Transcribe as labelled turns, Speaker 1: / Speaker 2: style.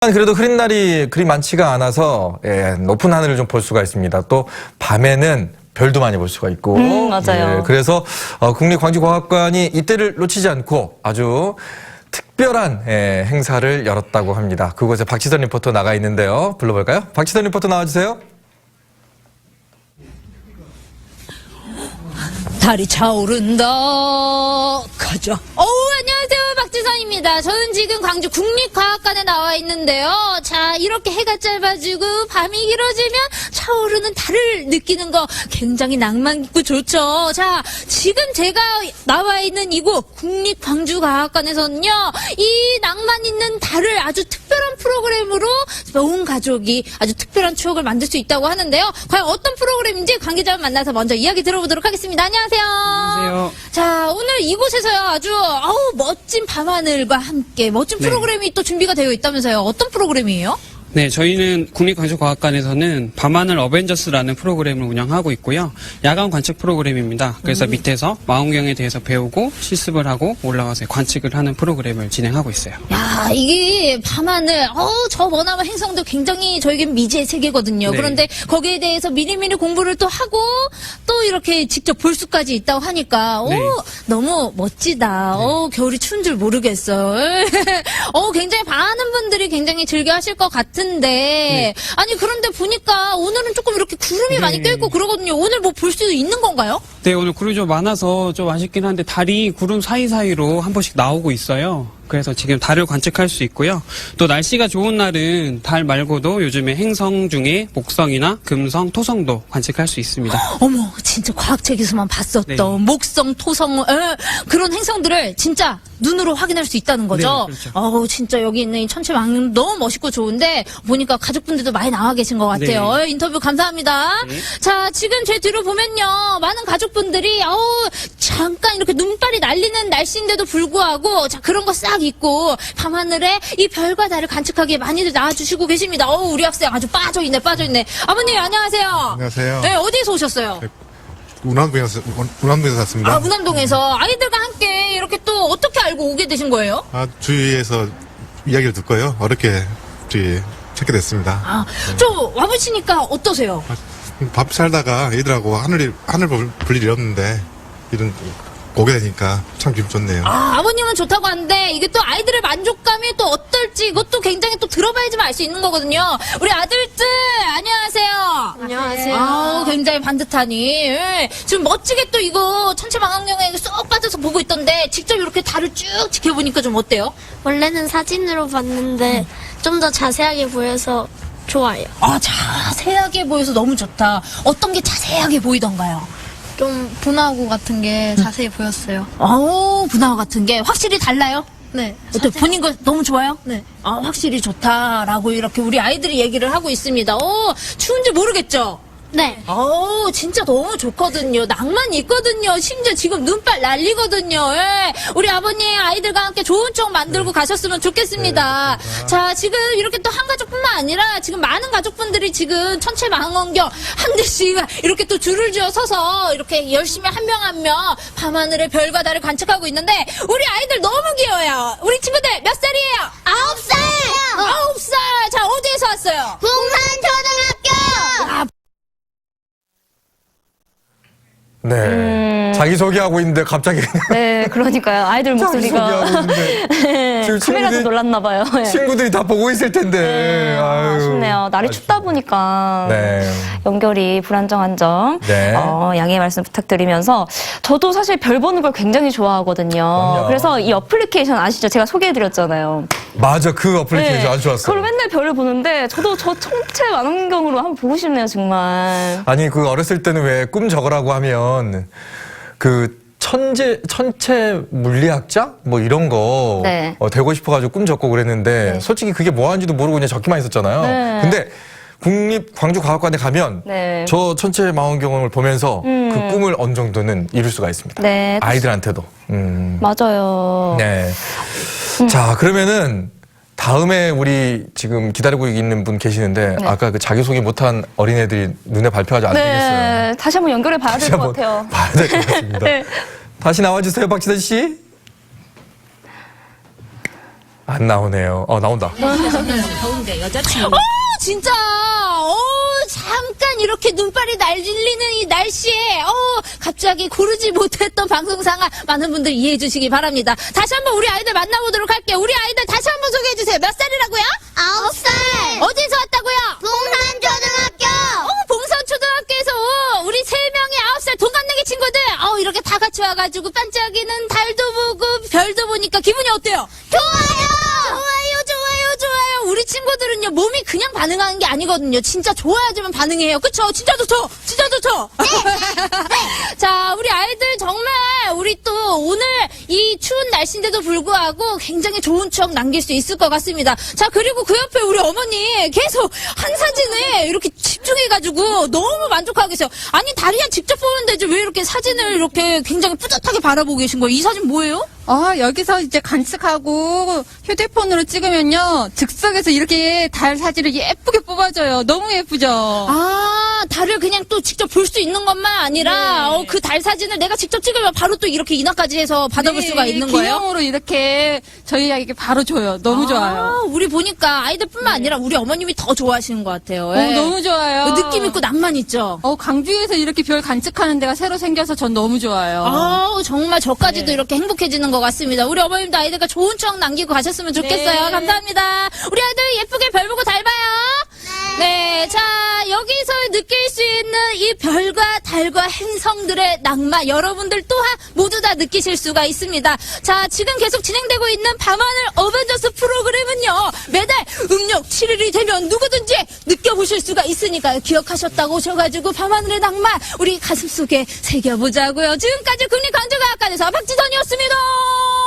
Speaker 1: 그래도 흐린 날이 그리 많지가 않아서 높은 하늘을 좀 볼 수가 있습니다. 또 밤에는 별도 많이 볼 수가 있고
Speaker 2: 맞아요.
Speaker 1: 그래서 국립광주과학관이 이때를 놓치지 않고 아주 특별한 행사를 열었다고 합니다. 그곳에 박지선 리포터 나가 있는데요. 불러볼까요? 박지선 리포터 나와주세요.
Speaker 3: 달이 차오른다. 가자. 안녕하세요. 박지선입니다. 저는 지금 광주 국립과학관에 나와 있는데요. 자, 이렇게 해가 짧아지고 밤이 길어지면 차오르는 달을 느끼는 거 굉장히 낭만 있고 좋죠. 자, 지금 제가 나와 있는 이곳 국립광주과학관에서는요, 이 낭만 있는 달을 아주 특별한 프로그램으로 온 가족이 아주 특별한 추억을 만들 수 있다고 하는데요. 과연 어떤 프로그램인지 관계자 만나서 먼저 이야기 들어보도록 하겠습니다. 안녕하세요.
Speaker 4: 안녕하세요.
Speaker 3: 자, 오늘 이곳에서요 아주 멋진 밤하늘과 함께 멋진 프로그램이 또 준비가 되어 있다면서요. 어떤 프로그램이에요?
Speaker 4: 네, 저희는 국립광주과학관에서는 밤하늘 어벤져스라는 프로그램을 운영하고 있고요. 야간 관측 프로그램입니다. 그래서 밑에서 망원경에 대해서 배우고 실습을 하고 올라가서 관측을 하는 프로그램을 진행하고 있어요.
Speaker 3: 야, 이게 밤하늘, 저 머나먼 행성도 굉장히 저에겐 미지의 세계거든요.
Speaker 4: 네.
Speaker 3: 그런데 거기에 대해서 미리미리 공부를 또 하고 또 이렇게 직접 볼 수까지 있다고 하니까,
Speaker 4: 네.
Speaker 3: 너무 멋지다. 겨울이 추운 줄 모르겠어요. 굉장히 많은 분들이 굉장히 즐겨 하실 것 같은데, 아니, 그런데 보니까 오늘은 조금 이렇게 구름이 많이 껴있고 그러거든요. 오늘 뭐 볼 수 있는 건가요?
Speaker 4: 네, 오늘 구름이 좀 많아서 좀 아쉽긴 한데 달이 구름 사이사이로 한 번씩 나오고 있어요. 그래서 지금 달을 관측할 수 있고요. 또 날씨가 좋은 날은 달 말고도 요즘에 행성 중에 목성이나 금성, 토성도 관측할 수 있습니다.
Speaker 3: 어머, 진짜 과학책에서만 봤었던
Speaker 4: 네.
Speaker 3: 목성, 토성, 그런 행성들을 진짜 눈으로 확인할 수 있다는 거죠.
Speaker 4: 네, 그렇죠.
Speaker 3: 진짜 여기 있는 이 천체망 너무 멋있고 좋은데 보니까 가족분들도 많이 나와 계신 것 같아요.
Speaker 4: 네.
Speaker 3: 인터뷰 감사합니다.
Speaker 4: 네.
Speaker 3: 자, 지금 제 뒤로 보면요, 많은 가족분들이 잠깐 이렇게 눈발이 날리는 날씨인데도 불구하고 자, 그런 거 싹 있고 밤하늘에 이 별과 달을 관측하기에 많이들 나와주시고 계십니다. 우리 학생 아주 빠져있네. 아버님 안녕하세요.
Speaker 5: 안녕하세요.
Speaker 3: 네, 어디에서 오셨어요?
Speaker 5: 운암동에서 샀습니다.
Speaker 3: 문암동에서 아이들과 함께 이렇게 또 어떻게 알고 오게 되신 거예요?
Speaker 5: 주위에서 이야기를 듣고요. 어렵게 찾게 됐습니다.
Speaker 3: 좀 와보시니까 어떠세요?
Speaker 5: 밥 살다가 애들하고 하늘 볼 일이 없는데 이런 오게 되니까 참 기분 좋네요.
Speaker 3: 아버님은 좋다고 하는데 이게 또 아이들의 만족감이 또 어떨지 이것도 굉장히 또 들어봐야지만 알 수 있는 거거든요. 우리 아들들 안녕하세요.
Speaker 2: 안녕하세요.
Speaker 3: 굉장히 반듯하니 지금 멋지게 또 이거 천체망원경에 쏙 빠져서 보고 있던데 직접 이렇게 달을 쭉 지켜보니까 좀 어때요?
Speaker 2: 원래는 사진으로 봤는데 좀 더 자세하게 보여서 좋아요.
Speaker 3: 자세하게 보여서 너무 좋다. 어떤 게 자세하게 보이던가요?
Speaker 6: 좀 분화구 같은 게 자세히 보였어요.
Speaker 3: 분화구 같은 게 확실히 달라요?
Speaker 6: 네.
Speaker 3: 어때? 본인 거 너무 좋아요?
Speaker 6: 네.
Speaker 3: 확실히 좋다라고 이렇게 우리 아이들이 얘기를 하고 있습니다. 추운지 모르겠죠?
Speaker 2: 네.
Speaker 3: 진짜 너무 좋거든요. 낭만 있거든요. 심지어 지금 눈발 날리거든요. 우리 아버님 아이들과 함께 좋은 추억 만들고 가셨으면 좋겠습니다. 자, 지금 이렇게 또 한 가족뿐만 아니라 지금 많은 가족분들이 지금 천체망원경 한 대씩 이렇게 또 줄을 지어 서서 이렇게 열심히 한 명 한 명 밤하늘의 별과 달을 관측하고 있는데 우리 아이들 너무 귀여워요. 우리 친구들 몇 살이에요? 9살! 9살! 자, 어디에서 왔어요?
Speaker 2: 풍산초등학교!
Speaker 1: 네. 자기소개하고 있는데 갑자기
Speaker 2: 네, 그러니까요. 아이들 목소리가
Speaker 1: 자기소개하고 있는데 지금
Speaker 2: 카메라도 놀랐나 봐요. 네.
Speaker 1: 친구들이 다 보고 있을 텐데. 아유.
Speaker 2: 아쉽네요. 날이 춥다 보니까
Speaker 1: 네.
Speaker 2: 연결이 불안정한 점
Speaker 1: 네.
Speaker 2: 양해의 말씀 부탁드리면서 저도 사실 별 보는 걸 굉장히 좋아하거든요.
Speaker 1: 그럼요.
Speaker 2: 그래서 이 어플리케이션 아시죠? 제가 소개해드렸잖아요.
Speaker 1: 맞아, 그 어플리케이션
Speaker 2: 네.
Speaker 1: 아주 좋았어요.
Speaker 2: 그걸 맨날 별을 보는데 저도 저 천체 망원경으로 한번 보고 싶네요, 정말.
Speaker 1: 아니, 그 어렸을 때는 왜 꿈 적으라고 하면 그 천체 물리학자 뭐 이런 거
Speaker 2: 네.
Speaker 1: 되고 싶어가지고 꿈 적고 그랬는데
Speaker 2: 네.
Speaker 1: 솔직히 그게 뭐 하는지도 모르고 그냥 적기만 있었잖아요.
Speaker 2: 네.
Speaker 1: 근데 국립광주과학관에 가면
Speaker 2: 네.
Speaker 1: 저 천체 망원경을 보면서 그 꿈을 어느 정도는 이룰 수가 있습니다.
Speaker 2: 네.
Speaker 1: 아이들한테도.
Speaker 2: 맞아요.
Speaker 1: 네. 자, 그러면은 다음에 우리 지금 기다리고 있는 분 계시는데
Speaker 2: 네.
Speaker 1: 아까 그 자기소개 못한 어린애들이 눈에 밟혀가지고 안 되겠어요.
Speaker 2: 네. 다시 한번 연결해 봐야 될 것 같아요.
Speaker 1: 봐야 될 것 같습니다.
Speaker 2: 네.
Speaker 1: 다시 나와주세요, 박지선 씨. 안 나오네요. 나온다.
Speaker 3: 진짜, 잠깐 이렇게 눈발이 날리는 이 날씨에, 갑자기 고르지 못했던 방송상황 많은 분들 이해해 주시기 바랍니다. 다시 한번 우리 아이들 만나보도록 할게요. 우리 아이들 다시 한번 소개해 주세요. 몇 살이라고요?
Speaker 2: 9살.
Speaker 3: 어디서 왔다고요?
Speaker 2: 봉산초등학교.
Speaker 3: 봉산초등학교에서 우리 3명의 9살 동갑내기 친구들, 이렇게 다 같이 와가지고 반짝이는 달도 보고 별도 보니까 기분이 어때요? 좋아요! 우리 친구들은요, 몸이 그냥 반응하는 게 아니거든요. 진짜 좋아야지만 반응해요. 그쵸? 진짜 좋죠? 진짜 좋죠? 자, 우리 아이들 정말, 우리 또 오늘 이 추운 날씨인데도 불구하고 굉장히 좋은 추억 남길 수 있을 것 같습니다. 자, 그리고 그 옆에 우리 어머니 계속 한 사진에 이렇게 집중해가지고 너무 만족하고 계세요. 아니, 다리야 직접 보면 되지. 왜 이렇게 사진을 이렇게 굉장히 뿌듯하게 바라보고 계신 거예요? 이 사진 뭐예요?
Speaker 7: 여기서 이제 관측하고 휴대폰으로 찍으면요. 즉석에서 이렇게 달 사진을 예쁘게 뽑아줘요. 너무 예쁘죠?
Speaker 3: 달을 그냥 또 직접 볼 수 있는 것만 아니라
Speaker 7: 네.
Speaker 3: 그 달 사진을 내가 직접 찍으면 바로 또 이렇게 인화까지 해서 받아볼 수가 있는 거예요?
Speaker 7: 기념으로 이렇게 저희에게 바로 줘요. 너무 좋아요.
Speaker 3: 우리 보니까 아이들뿐만 아니라 우리 어머님이 더 좋아하시는 것 같아요. 예.
Speaker 7: 너무 좋아요.
Speaker 3: 느낌 있고 낭만 있죠?
Speaker 7: 광주에서 이렇게 별 관측하는 데가 새로 생겨서 전 너무 좋아요.
Speaker 3: 정말 저까지도
Speaker 7: 네.
Speaker 3: 이렇게 행복해지는 것 같습니다. 우리 어머님도 아이들과 좋은 추억 남기고 가셨으면 좋겠어요.
Speaker 7: 네.
Speaker 3: 감사합니다. 우리 아이들 예쁘게 별 보고 잘 봐요. 네, 자, 여기서 느낄 수 있는 이 별과 달과 행성들의 낭만, 여러분들 또한 모두 다 느끼실 수가 있습니다. 자, 지금 계속 진행되고 있는 밤하늘 어벤져스 프로그램은요, 매달 음력 7일이 되면 누구든지 느껴보실 수가 있으니까요. 기억하셨다고 오셔가지고 밤하늘의 낭만, 우리 가슴속에 새겨보자고요. 지금까지 국립광주과학관에서 박지선이었습니다.